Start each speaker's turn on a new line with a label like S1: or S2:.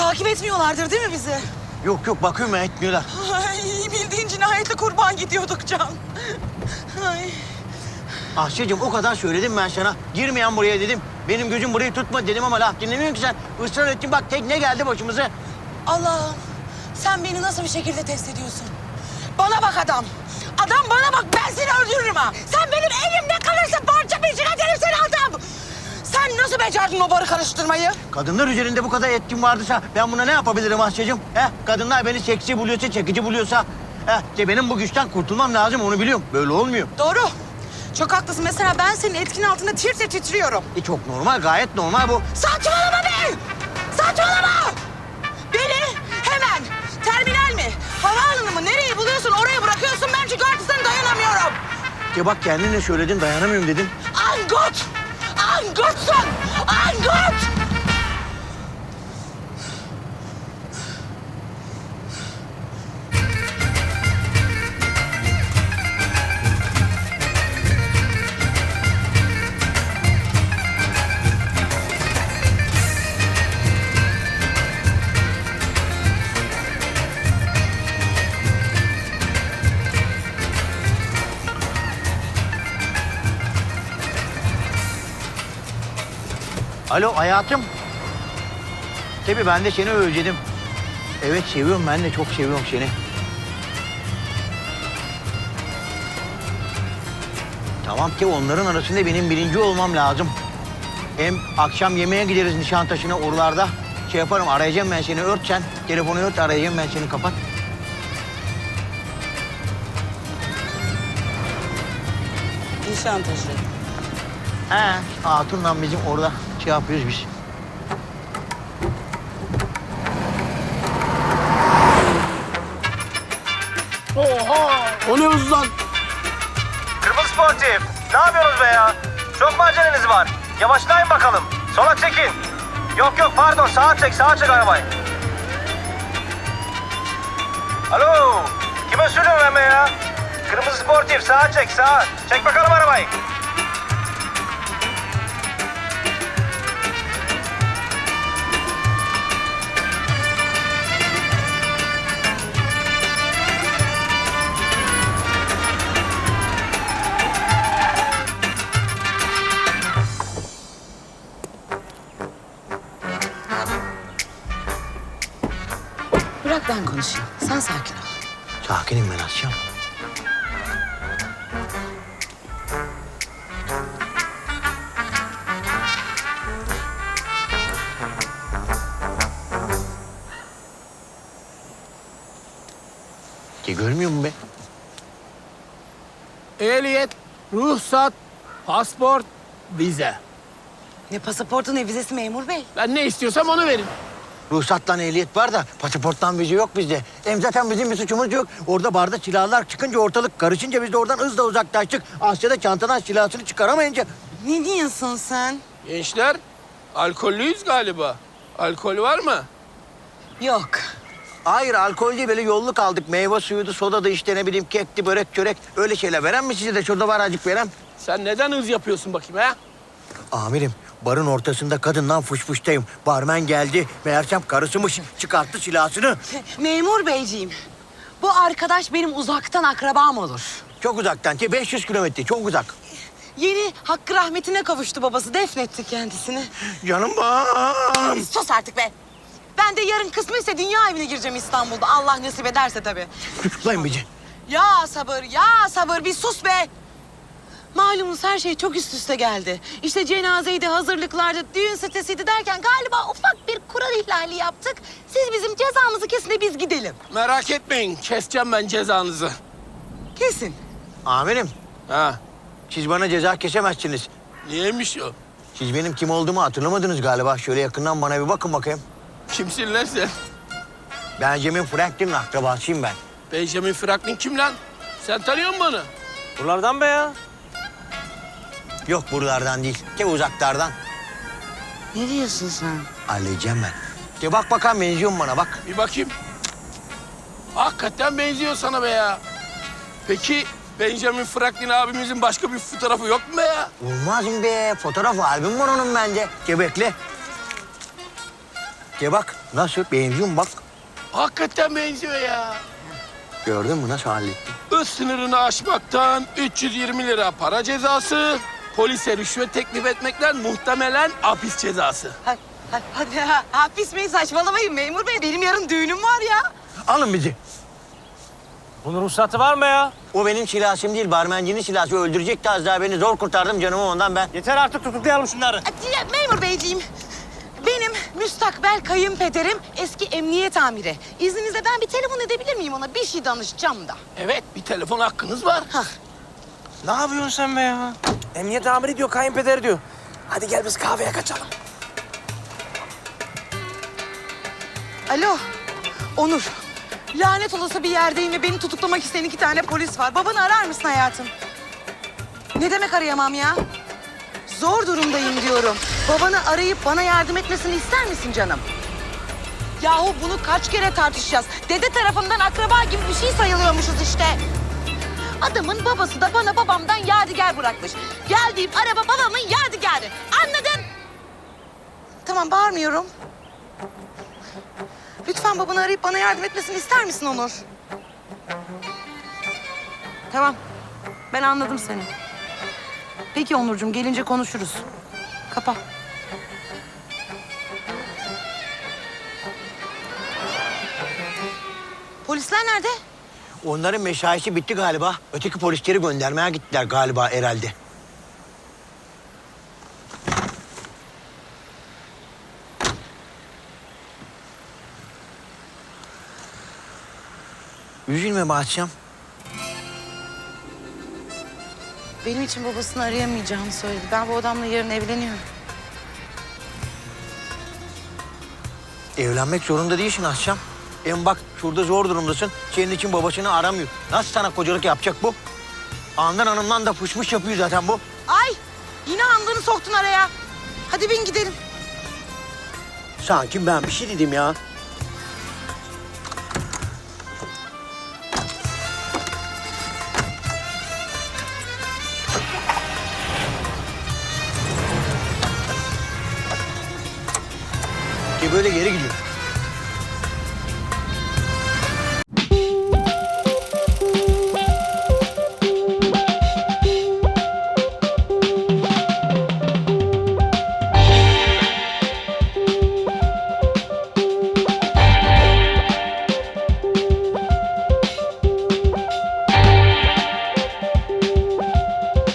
S1: Takip etmiyorlardır değil mi bizi?
S2: Yok yok, bakıyorum ya, etmiyorlar.
S1: Ay, bildiğin cinayetli kurban gidiyorduk Can. Ay.
S2: Ahşecığım, o kadar söyledim ben sana. Girmeyen buraya dedim. Benim gözüm burayı tutma dedim ama laf dinlemiyorsun ki sen. Israr ettin, bak tekne geldi başımıza.
S1: Allah'ım, sen beni nasıl bir şekilde test ediyorsun? Bana bak adam. Adam bana bak, ben seni öldürürüm ha. Sen benim elimde kalırsın, parça peşine ederim seni adam. Sen nasıl becerdin o barı karıştırmayı?
S2: Kadınlar üzerinde bu kadar etkin vardıysa ben buna ne yapabilirim Ahşecığım? Kadınlar beni seksi buluyorsa, çekici buluyorsa... işte benim bu güçten kurtulmam lazım, onu biliyorum. Böyle olmuyor.
S1: Doğru. Çok haklısın. Mesela ben senin etkin altında tir tir titriyorum.
S2: Çok normal, gayet normal bu.
S1: Saçmalama be! Saçmalama! Beni hemen terminal mi, havaalanı mı, nereyi buluyorsun oraya bırakıyorsun. Ben çünkü artık sana dayanamıyorum.
S2: Bak kendine söyledin, dayanamıyorum dedin.
S1: Angut! Angutsun! Angut!
S2: Alo hayatım. Tabii ben de seni özledim. Evet seviyorum, ben de çok seviyorum seni. Tamam ki onların arasında benim birinci olmam lazım. Hem akşam yemeğe gideriz Nişantaşı'na, oralarda. Şey yaparım, arayacağım ben seni, ört sen. Telefonu ört, arayacağım ben seni, kapat.
S1: Nişantaşı.
S2: Hatun'la bizim orada şey yapıyoruz biz.
S3: Oha! O ne hız lan?
S4: Kırmızı sportif. Ne yapıyorsunuz be ya? Çok mu aceleniz var? Yavaşlayın bakalım. Sola çekin. Yok yok pardon, sağa çek arabayı. Alo. Kime söylüyorum ben be ya? Kırmızı sportif, sağa çek sağa. Çek bakalım arabayı.
S1: Bırak ben konuşayım. Sen sakin ol.
S2: Sakinim ben Asya. Görmüyor musun be?
S3: Ehliyet, ruhsat, pasport, vize.
S1: Ne pasaportu ne vizesi memur bey.
S3: Ben ne istiyorsam onu verin.
S2: Ruhsattan ehliyet var da pasaporttan vize yok bizde. Hem zaten bizim bir suçumuz yok. Orada barda silahlar çıkınca, ortalık karışınca biz de oradan hızla uzaklaştık. Asya da çantadan silahını çıkaramayınca...
S1: Ne diyorsun sen?
S3: Gençler, alkollüyüz galiba. Alkol var mı?
S1: Yok.
S2: Hayır, alkol değil, böyle yolluk aldık. Meyve suyuydu, soda da işte, ne bileyim kekti, börek, çörek. Öyle şeyler veren mi size de? Şurada var acık veren.
S3: Sen neden hız yapıyorsun bakayım ha?
S2: Amirim, barın ortasında kadından fışfıştayım. Barmen geldi, meğersem karısımış. Çıkarttı silahını.
S1: Memur beyciğim. Bu arkadaş benim uzaktan akrabam olur.
S2: Çok uzaktan, 500 kilometre, çok uzak.
S1: Yeni hakkı rahmetine kavuştu babası. Defnetti kendisini.
S2: Canım bağım.
S1: Sus artık be. Ben de yarın kısmetse dünya evine gireceğim İstanbul'da. Allah nasip ederse tabii.
S2: Tutuklayın bizi.
S1: Ya sabır, ya sabır. Bir sus be. Malumunuz her şey çok üst üste geldi. İşte cenazeydi, hazırlıklardı, düğün sitesiydi derken galiba ufak bir kural ihlali yaptık. Siz bizim cezamızı kesin de biz gidelim.
S3: Merak etmeyin, keseceğim ben cezanızı.
S1: Kesin.
S2: Amirim,
S3: Ha,
S2: siz bana ceza kesemezsiniz.
S3: niyeymiş o?
S2: Siz benim kim olduğumu hatırlamadınız galiba. Şöyle yakından bana bir bakın bakayım.
S3: Kimsin lan sen?
S2: Benjamin Franklin'in akrabasıyım ben.
S3: Benjamin Franklin kim lan? Sen tanıyor musun onu?
S4: Buralardan be ya.
S2: Yok buralardan değil, uzaklardan.
S1: Ne diyorsun sen?
S2: Halledeceğim ben. Bak bakalım, benziyor mu bana, bak.
S3: Bir bakayım. Hakikaten benziyor sana be ya. Peki Benjamin Franklin abimizin başka bir fotoğrafı yok mu be ya?
S2: Olmaz mı be? Fotoğraf albüm var onun bence. Bekle. Bak. Nasıl? Benziyor mu bak?
S3: Hakikaten benziyor ya.
S2: Gördün mü nasıl hallettim?
S3: Hız sınırını aşmaktan 320 lira para cezası, polise rüşvet teklif etmekten muhtemelen hapis cezası.
S1: Hadi hapis bey saçmalamayın memur bey. Benim yarın düğünüm var ya.
S2: Alın bizi.
S5: Bunun ruhsatı var mı ya?
S2: O benim silahım değil, barmencinin silahı. Öldürecekti az daha beni. Zor kurtardım canımı ondan ben.
S5: Yeter artık tutuklayalım şunları.
S1: Memur beyciğim. Benim müstakbel kayınpederim eski emniyet amiri. İzninizle ben bir telefon edebilir miyim ona? Bir şey danışacağım da.
S3: Evet, bir telefon hakkınız var.
S5: Ne yapıyorsun sen be ya? Emniyet amiri diyor, kayınpeder diyor. Hadi gel biz kahveye kaçalım.
S1: Alo, Onur. Lanet olası bir yerdeyim ve beni tutuklamak isteyen 2 tane polis var. Babanı arar mısın hayatım? Ne demek arayamam ya? Zor durumdayım diyorum. Babanı arayıp bana yardım etmesini ister misin canım? Yahu bunu kaç kere tartışacağız? Dede tarafından akraba gibi bir şey sayılıyormuşuz işte. Adamın babası da bana babamdan yadigar bırakmış. Geldiğim araba babamın yadigarı. Anladın? Tamam, bağırmıyorum. Lütfen babanı arayıp bana yardım etmesini ister misin Onur? Tamam. Ben anladım seni. Peki Onurcuğum, gelince konuşuruz. Kapa. Polisler nerede?
S2: Onların meşaisi bitti galiba. Öteki polisleri göndermeye gittiler galiba herhalde. Üzülme Bahçem.
S1: Benim için babasını arayamayacağını söyledi. Ben bu adamla yarın evleniyorum.
S2: Evlenmek zorunda değilsin Ahşam. Hem bak şurada zor durumdasın. Senin için babasını aramıyor. Nasıl sana kocalık yapacak bu? Andan hanımdan da fışmış yapıyor zaten bu.
S1: Ay! Yine andığını soktun araya. Hadi bin gidelim.
S2: Sanki ben bir şey dedim ya. Ki böyle geri gidiyor.